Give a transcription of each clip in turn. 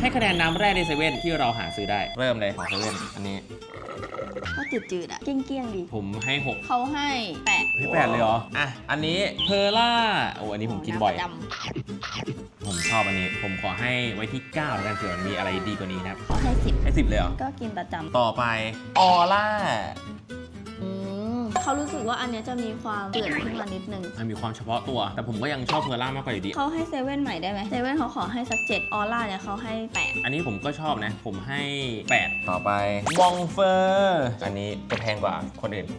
ให้คะแนนน้ำแร่ในเซเว่นที่เราหาซื้อได้เริ่มเลยของเซเว่นอันนี้ก็จืดๆอ่ะเกี้ยงๆดีผมให้6 เขาให้8 ให้8เลยเหรออ่ะอันนี้เพอร์ล่าโอ้อันนี้ผมกินบ่อยผมชอบอันนี้ผมขอให้ไว้ที่9แล้วกันเผื่อมันมีอะไรดีกว่านี้นะครับเขาให้10 ให้10เลยเหรอก็กินประจำต่อไปออร่าเขารู้สึกว่าอันนี้จะมีความเปื่อนขึ้นมานิดนึงมันมีความเฉพาะตัวแต่ผมก็ยังชอบเพอร์ล่ามากกว่าอยู่ดีเขาให้เซเว่นใหม่ได้ไหมเซเว่นเขาขอให้สัก7ออร่าเนี่ยเขาให้8 อันนี้ผมก็ชอบนะผมให้8ต่อไปบองเฟอร์อันนี้จะแพงกว่าคนอื่น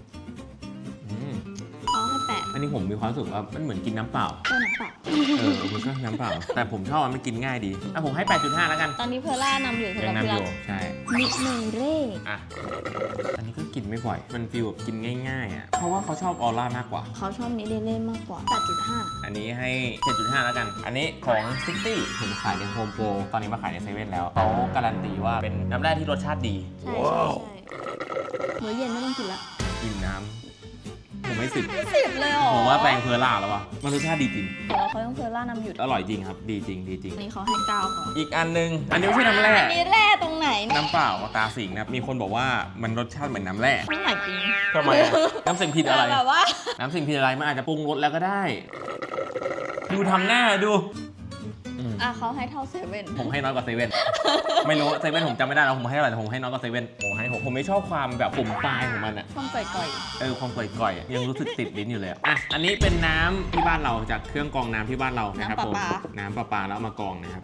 เขาให้8 อันนี้ผมมีความรู้สึกว่ามันเหมือนกินน้ำเปล่าก็น้ำเปล่ามันก็น้ำเปล่าแต่ผมชอบมันกินง่ายดีผมให้ 8.5 แล้วกันตอนนี้เพอร์ล่านำอยู่สำหรับพี่รักใช่นิดนึงเร่อันนี้ก็กินไม่บ่อยมันฟีลแบบกินง่ายๆอ่ะเพราะว่าเขาชอบออร่ามากกว่าเขาชอบนิดเล่มากกว่า 8.5 อันนี้ให้ 7.5 แล้วกันอันนี้ของซิตี้เห็นขายในโฮมโปรตอนนี้มาขายในเซเว่นแล้วเขาการันตีว่าเป็นน้ำแร่ที่รสชาติดีใช่มื้อเย็นไม่ต้องกินละกินน้ำผมไม่ 10เลยหรอผมว่าแปลงเพอร์ล่าแล้ววะมันรสชาติดีจริงแต่ว่าเขาต้องเพอร์ล่านำอยู่อร่อยจริงครับดีจริงอันนี้เขาให้9ก่อนอีกอันนึงอันนี้ไม่ใช่น้ำแร่อันนี้แร่ตรงไหนน้ำเปล่าตาสิงนะมีคนบอกว่ามันรสชาติเหมือนน้ำแร่ไม่ไหนจริงทำไมน้ำสิงผิดอะไรแบบว่าน้ำสิงผิดอะไรมันอาจจะปรุงรสแล้วก็ได้ดูทำหน้าดูเขาให้เท่าเซเว่นผมให้น้อยกว่าเซเว่นไม่รู้เซเว่นผมจำไม่ได้แล้วผมให้เท่าไหร่แต่ผมให้น้อยกว่าเซเว่นผมให้6ผมไม่ชอบความแบบปุ่มปลายของมันอะความก่อยความก่อยยังรู้สึกติดลิ้นอยู่เลยอันนี้เป็นน้ำที่บ้านเราจากเครื่องกรองน้ำที่บ้านเรานะครับผมน้ำประปาแล้วเอามากรองนะครับ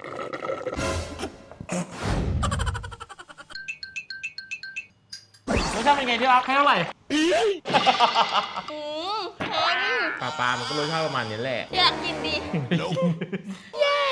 รสชาติเป็นไงที่รักให้เท่าไหร่ปลามันก็รสชาติประมาณนี้แหละอยากกินดิแย่